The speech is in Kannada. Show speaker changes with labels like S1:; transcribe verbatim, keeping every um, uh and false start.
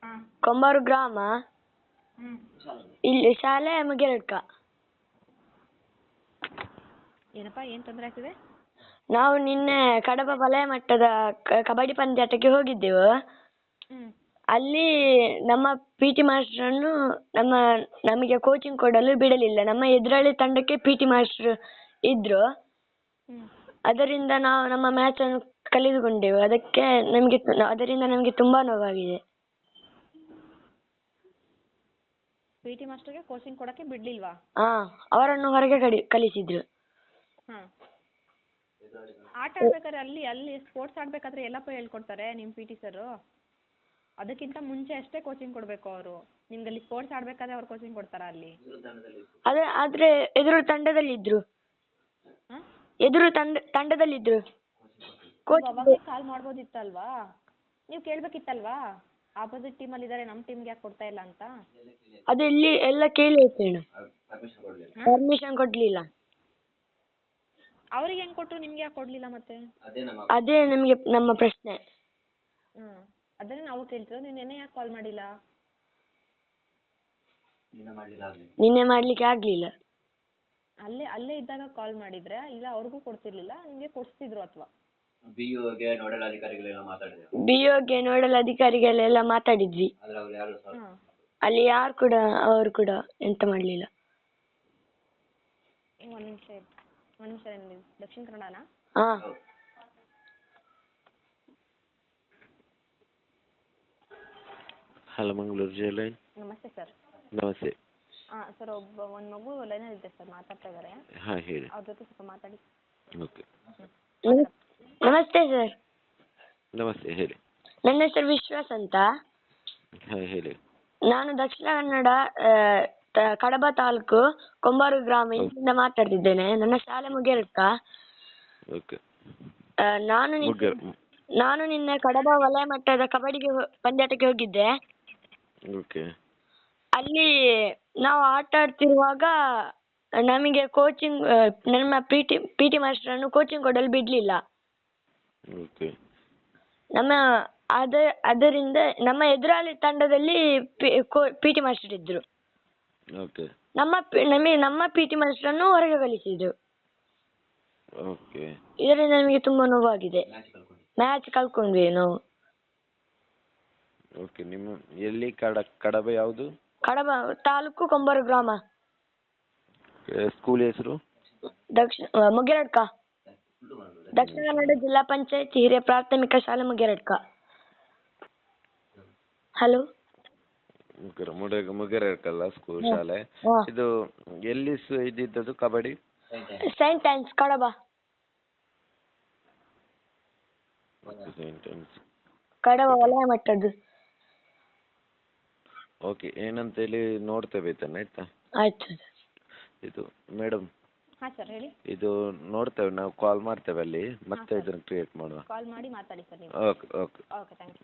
S1: ಹಾಂ
S2: ಕೊಂಬಾರು ಗ್ರಾಮ,
S1: ಹ್ಞೂ
S2: ಇಲ್ಲಿ ಶಾಲೆ ಮುಗಿರಡ್ಕ.
S1: ಏನಪ್ಪ ಏನು ತೊಂದರೆ ಆಗ್ತಿದೆ?
S2: ನಾವು ನಿನ್ನೆ ಕಡಬ ವಲಯ ಮಟ್ಟದ ಕ- ಕಬಡ್ಡಿ ಪಂದ್ಯಾಟಕ್ಕೆ ಹೋಗಿದ್ದೆವು.
S1: ಹ್ಞೂ
S2: ಅಲ್ಲಿ ನಮ್ಮ ಪಿ ಟಿ ಮಾಸ್ಟ್ರನ್ನು ನಮ್ಮ ನಮಗೆ ಕೋಚಿಂಗ್ ಕೊಡಲು ಬಿಡಲಿಲ್ಲ. ನಮ್ಮ ಎದುರಾಳಿ ತಂಡಕ್ಕೆ ಪಿ ಟಿ ಮಾಸ್ಟ್ರು ಇದ್ರು.
S1: ಹ್ಞೂ
S2: ಅದರಿಂದ ನಾವು ನಮ್ಮ ಮ್ಯಾಚ್ ಅನ್ನು ಕಳೆದುಕೊಂಡೆವು. ಅದಕ್ಕೆ ನಮಗೆ ಅದರಿಂದ ನಮಗೆ ತುಂಬಾ ನೋವಾಗಿದೆ.
S1: ಪಿ ಟಿ ಮಾಸ್ಟರ್ಗೆ ಕೋಚಿಂಗ್ ಕೊಡೋಕ್ಕೆ ಬಿಡಲಿಲ್ವಾ?
S2: ಹಾ, ಅವರನ್ನು ಹೊರಗೆ ಕಡಿ ಕಳಿಸಿದ್ರು.
S1: ಹಾಂ ಆಟ ಆಡ್ಬೇಕಾದ್ರೆ ಅಲ್ಲಿ ಅಲ್ಲಿ ಸ್ಪೋರ್ಟ್ಸ್ ಆಡಬೇಕಾದ್ರೆ ಎಲ್ಲಪ್ಪ ಹೇಳ್ಕೊಡ್ತಾರೆ ನಿಮ್ಮ ಪಿ ಟಿ ಸರು? ಅದಕ್ಕಿಂತ ಮುಂಚೆ ಅಷ್ಟೇ ಕೋಚಿಂಗ್ ಕೊಡಬೇಕು ಅವರು. ನಿಮ್ಗೆ ಅಲ್ಲಿ ಸ್ಪೋರ್ಟ್ಸ್ ಆಡಬೇಕಾದ್ರೆ ಅವ್ರು ಕೋಚಿಂಗ್ ಕೊಡ್ತಾರಾ ಅಲ್ಲಿ?
S2: ಅದೇ ಆದ್ರೆ ಎದುರು ತಂಡದಲ್ಲಿದ್ರು.
S1: ಹಾಂ
S2: ಎದುರು ತಂಡ ತಂಡದಲ್ಲಿದ್ರು.
S1: ನೀವು ಅವಾಗಲೇ ಕಾಲ್ ಮಾಡ್ಬೋದಿತ್ತಲ್ವಾ? ನೀವು ಕೇಳಬೇಕಿತ್ತಲ್ವಾ? ಆಪೋಸಿಟ್ ಟೀಮಲ್ಲಿ ಇದ್ದಾರೆ, ನಮ್ಮ ಟೀಮ್ಗೆ ಯಾಕೆ ಕೊಡ್ತಾ ಇಲ್ಲ ಅಂತ?
S2: ಅದು ಇಲ್ಲಿ ಎಲ್ಲ ಕೇಳಿ ಆಯ್ತು, ಪರ್ಮಿಷನ್ ಕೊಡ್ಲಿಲ್ಲ.
S1: ಅವ್ರಿಗೆ ಹೆಂಗೆ ಕೊಟ್ಟರು, ನಿಮ್ಗೆ ಯಾಕೆ ಕೊಡಲಿಲ್ಲ ಮತ್ತೆ?
S2: ಅದೇ ನಮಗೆ ನಮ್ಮ ಪ್ರಶ್ನೆ.
S1: ಹ್ಞೂ ಅದನ್ನೇ ನಾವು ಕೇಳ್ತಿರೋದು. ನೀವು ನೆನ್ನೆ ಯಾಕೆ ಕಾಲ್ ಮಾಡಿಲ್ಲ?
S2: ನಿನ್ನೆ ಮಾಡ್ಲಿಕ್ಕೆ ಆಗ್ಲಿಲ್ಲ.
S1: ಅಲ್ಲೇ ಅಲ್ಲೇ ಇದ್ದಾಗ ಕಾಲ್ ಮಾಡಿದ್ರೆ ಇಲ್ಲ ಅವ್ರಿಗೂ ಕೊಡ್ತಿರ್ಲಿಲ್ಲ, ನಿಮಗೆ ಕೊಡಿಸ್ತಿದ್ರು ಅಥವಾ?
S2: ಬಿ ಗೆ ನೋಡಲ್ ಅಧಿಕಾರಿಗಳೆಲ್ಲ ಮಾತಾಡಿದ್ವಿ.
S1: ಹಾಂ
S2: ಅಲ್ಲಿ ಯಾರು ಕೂಡ ಅವರು ಕೂಡ ಎಂತ ಮಾಡ್ಲಿಲ್ಲ.
S1: ಒಂದು ನಿಮಿಷ ಒಂದು ನಿಮಿಷ ನಿಮ್ಮದು ದಕ್ಷಿಣ ಕನ್ನಡನಾ?
S2: ಹಾ,
S3: ಹಲೋ ಮಂಗಳೂರು ಜೈಲೈನ್.
S1: ನಮಸ್ತೆ ಸರ್.
S3: ನಮಸ್ತೆ.
S1: ಹಾಂ ಸರ್, ಒಬ್ಬ ಒಂದು ಮಗು ಲೈನಲ್ಲಿ ಇದೆ ಸರ್, ಮಾತಾಡ್ತಾ ಇದ್ದಾರೆ.
S3: ಹಾಂ ಹೇಳಿ.
S1: ಅವ್ರ ಜೊತೆ ಸ್ವಲ್ಪ ಮಾತಾಡಿ.
S3: ಓಕೆ.
S2: ನಮಸ್ತೆ ಸರ್.
S3: ನಮಸ್ತೆ ಹೇಳಿ.
S2: ನನ್ನ ಹೆಸರು ವಿಶ್ವಾಸ್ ಅಂತ.
S3: ಹಾಂ ಹೇಳಿ.
S2: ನಾನು ದಕ್ಷಿಣ ಕನ್ನಡ ಆ, ತ- ಕಡಬ ತಾಲೂಕು ಕೊಂಬಾರು ಗ್ರಾಮ ಇಲ್ಲಿಂದ ಮಾತಾಡ್ತಿದ್ದೇನೆ. ನನ್ನ ಶಾಲೆ ಮುಗಿಯರ್ಕ.
S3: ಓಕೆ.
S2: ಆ, ನಾನು ನಿನ್ನೆ-
S3: ಮುಗ್ಗರ್
S2: ನಾನು ನಿನ್ನೆ ಕಡಬ ವಲಯ ಮಟ್ಟದ ಕಬಡ್ಡಿಗೆ ಹೋ- ಪಂದ್ಯಾಟಕ್ಕೆ ಹೋಗಿದ್ದೆ.
S3: ಓಕೆ.
S2: ಅಲ್ಲಿ ನಾವು ಆಟ ಆಡ್ತಿರುವಾಗ ನಮಗೆ ಕೋಚಿಂಗ್ ನಮ್ಮ ಪಿ ಟಿ ಪಿ ಟಿ ಮಾಸ್ಟರನ್ನು ಕೋಚಿಂಗ್ ಕೊಡಲು ಬಿಡಲಿಲ್ಲ.
S3: ಓಕೆ.
S2: ನಮ್ಮ ಅದ ಅದರಿಂದ ನಮ್ಮ ಎದುರಾಳಿ ತಂಡದಲ್ಲಿ ಪಿ ಟಿ ಮಾಸ್ಟರ್ ಇದ್ರು.
S3: ಓಕೆ.
S2: ನಮ್ಮ ಪಿ- ನಮಗೆ ನಮ್ಮ ಪಿ ಟಿ ಮಾಸ್ಟರನ್ನು ಹೊರಗೆ ಕಳಿಸಿದ್ರು.
S3: ಓಕೆ.
S2: ಇದರಿಂದ ನಮಗೆ ತುಂಬಾ ನೋವಾಗಿದೆ. ಮ್ಯಾಚ್ ಕಳ್ಕೊಂಡ್ವಿ ನಾವು.
S3: ಓಕೆ. ನಿಮ್ಮ ಎಲ್ಲಿ ಕಡ ಕಡಬ ಯಾವುದು?
S2: ಕಡಬ ತಾಲೂಕು ಕೊಂಬಾರು ಗ್ರಾಮ.
S3: ಸ್ಕೂಲ್ ಹೆಸರು?
S2: ದಕ್ಷಿಣ ಮುಗಿರಡ್ಕ. ದಕ್ಷಿಣ ಕನ್ನಡ ಜಿಲ್ಲಾ ಪಂಚಾಯತ್ ಹಿರಿಯ ಪ್ರಾಥಮಿಕ ಶಾಲೆ ಮುಗಿರಡ್ಕ. ಹಲೋ.
S3: ಮುಗ್ಗರ ಮುಡ ಮುಗ್ಗರಕಲ್ಲ ಸ್ಕೂಲ್ ಶಾಲೆ.
S2: ಹಾ.
S3: ಇದು ಎಲ್ಲಿ ಸ- ಇದ್ದಿದ್ದದು kabaddi?
S2: Saint Ann's Kadaba.
S3: Saint Ann's.
S2: Kadaba ವಲಯ ಮಟ್ಟದ್ದು.
S3: ಓಕೆ. ಏನಂತೇಳಿ ನೋಡ್ತೇವೆ ತಾನೆ, ಆಯ್ತಾ?
S2: ಆಯ್ತು.
S3: ಇದು ಮೇಡಮ್,
S1: ಹಾಂ ಸರ್ ಹೇಳಿ.
S3: ಇದು ನೋಡ್ತೇವೆ ನಾವು, ಕಾಲ್ ಮಾಡ್ತೇವೆ ಅಲ್ಲಿ, ಮತ್ತೆ
S1: ಹಾಂ, ಸರ್.
S3: ಇದನ್ನು ಕ್ರಿಯೇಟ್ ಮಾಡುವ.
S1: ಕಾಲ್ ಮಾಡಿ ಮಾತಾಡಿ ಸರ್ ನೀವು.
S3: Okay okay.
S1: Okay thank you.